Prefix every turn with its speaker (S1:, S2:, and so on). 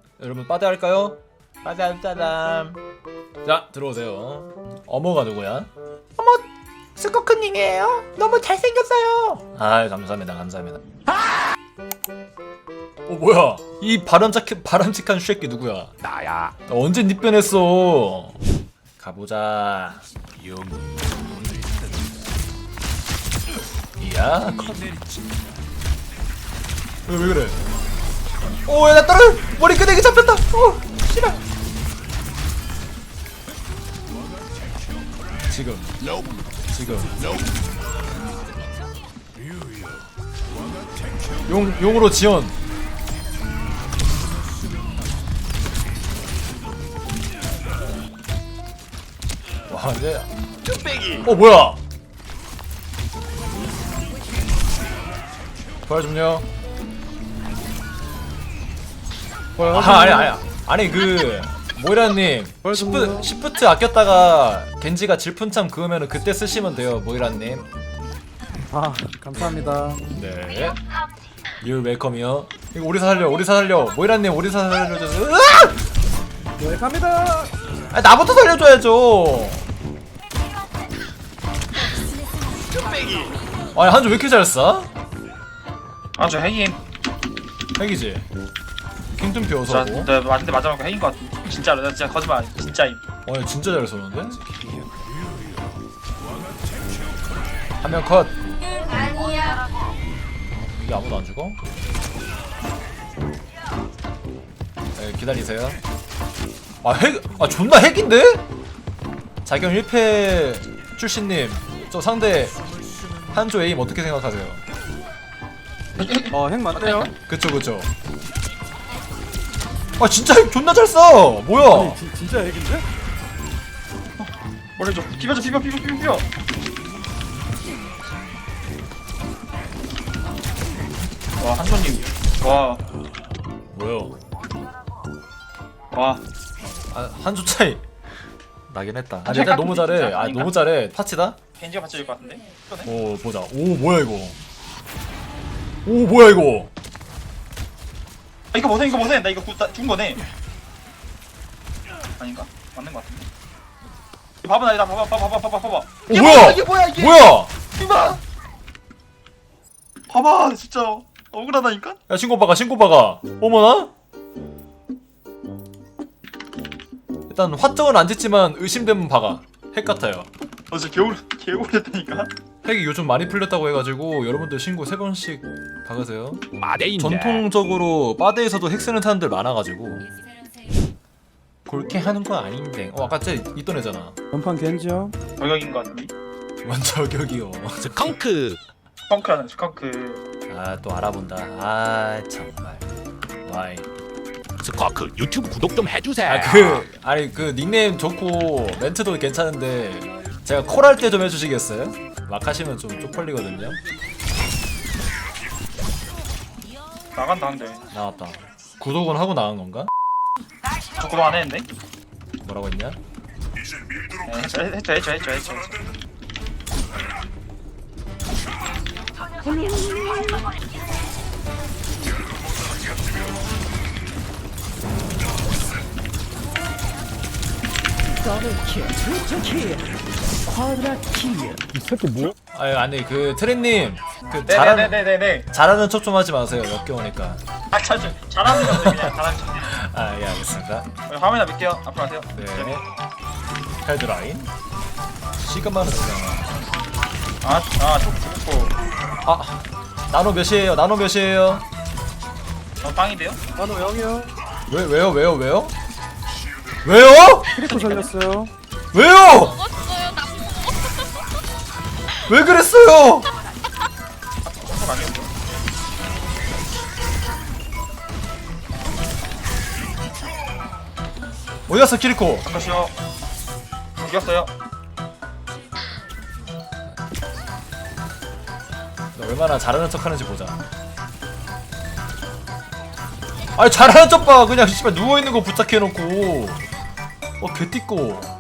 S1: 여러분 빠데 할까요? 빠데 짜잔. 자 들어오세요. 어머가 누구야? 어머 스코크님이에요. 너무 잘생겼어요. 아 감사합니다 감사합니다. 뭐야 이 바람직한 쉐끼 누구야?
S2: 나야.
S1: 언제 니 변했어? 가보자. 이야 왜 그래? 오야 나 떨어 머리 끄댕이 잡혔다. 오 씨발. 지금 용으로 지원. 와 이제
S2: 뚝배기.
S1: 뭐야? 부활 좀요. 아니 그 모이라님 시프트 아꼈다가 겐지가 질푼참 그으면은 그때 쓰시면 돼요 모이라님.
S3: 아 감사합니다.
S1: 네. You're welcome이요. 이거 오리사 살려 모이라님 오리사 살려줘서.
S3: 네 갑니다.
S1: 아 나부터 살려줘야죠.
S2: 뚝배기.
S1: 아니 한조 왜 이렇게 잘 쏴?
S4: 아저 핵임.
S1: 핵이지. 킹좀
S4: 저
S1: 비워서고.
S4: 네, 맞는데 맞아놓고 핵인 것 같아. 진짜로 나 진짜 거짓말 진짜임.
S1: 아니 진짜 잘 쏘는데? 한 명 컷. 이게 아무도 안 죽어? 네, 기다리세요. 존나 핵인데? 자경 1패 출신님, 저 상대 한조 에임 어떻게 생각하세요?
S3: 핵 맞대요.
S1: 그쵸. 진짜 핵 존나 잘 써! 뭐야?
S3: 아니 진짜 핵인데?
S4: 머리 좀 비벼. 와 한손님.
S1: 뭐야?
S4: 와.
S1: 한조 차이 나긴 했다.
S4: 한조
S1: 일단 너무 잘해.
S4: 진짜 아닌가?
S1: 너무 잘해. 파치다?
S4: 겐지가 받쳐줄 것 같은데.
S1: 오 보자. 오 뭐야 이거? 오 뭐야 이거?
S4: 아, 이거 보세. 나 이거 준 거네. 아닌가? 맞는 것 같은데. 봐봐 나 봐봐.
S1: 오 뭐야?
S4: 이게 뭐야 이게?
S1: 뭐야?
S4: 이봐. 봐봐 진짜 억울하다니까.
S1: 야 신고바가. 어머나? 일단 화정은 안 짓지만 의심되면 박아. 핵 같아요.
S4: 진짜 개울했다니까.
S1: 핵이 요즘 많이 풀렸다고 해가지고 여러분들 신고 3번씩 박으세요.
S2: 마대인데.
S1: 전통적으로 바데에서도 핵 쓰는 사람들 많아가지고 그렇게 하는 거 아닌데. 아까 쟤 있던 애잖아.
S3: 전판 겐지요.
S4: 저격인 것 같은데.
S1: 완전 저격이요.
S2: 스컹크.
S4: 스컹크라는 스컹크.
S1: 아 또 알아본다. 아 정말. 와이.
S2: 스컹크 유튜브 구독 좀 해주세요.
S1: 아니 그 닉네임 좋고 멘트도 괜찮은데 제가 콜할 때 좀 해주시겠어요? 막 하시면 좀 쪽팔리거든요.
S4: 나간다 한데.
S1: 나왔다. 구독은 하고 나간 건가?
S4: 저 그거 안 했는데?
S1: 뭐라고 했냐?
S4: 네, 했죠.
S3: 이 새끼 뭐야?
S1: 아니 그 트렌님 그
S4: 네네네네네.
S1: 잘하는 척 좀 하지 마세요. 역겨우니까.
S4: 잘하는 건데 그냥 잘하는 척.
S1: 아 예 알겠습니다.
S4: 화면이나 밀게요. 앞으로 가세요.
S1: 네. 헤드라인. 시간만은 그냥.
S4: 좋고.
S1: 나노 몇이에요?
S4: 빵인데요?
S3: 나도 영이요.
S1: 왜요?
S3: 크리코 살렸어요.
S1: 왜요?
S5: 먹었어요. 나
S1: 왜 그랬어요?
S4: 그거 아니었죠?
S1: 어디 갔어 키리코?
S4: 잠깐만요. 이겼어요.
S1: 너 얼마나 잘하는 척하는지 보자. 아니 잘하는 척 봐. 그냥 씨발 누워 있는 거 부탁해놓고. 개띠꼬.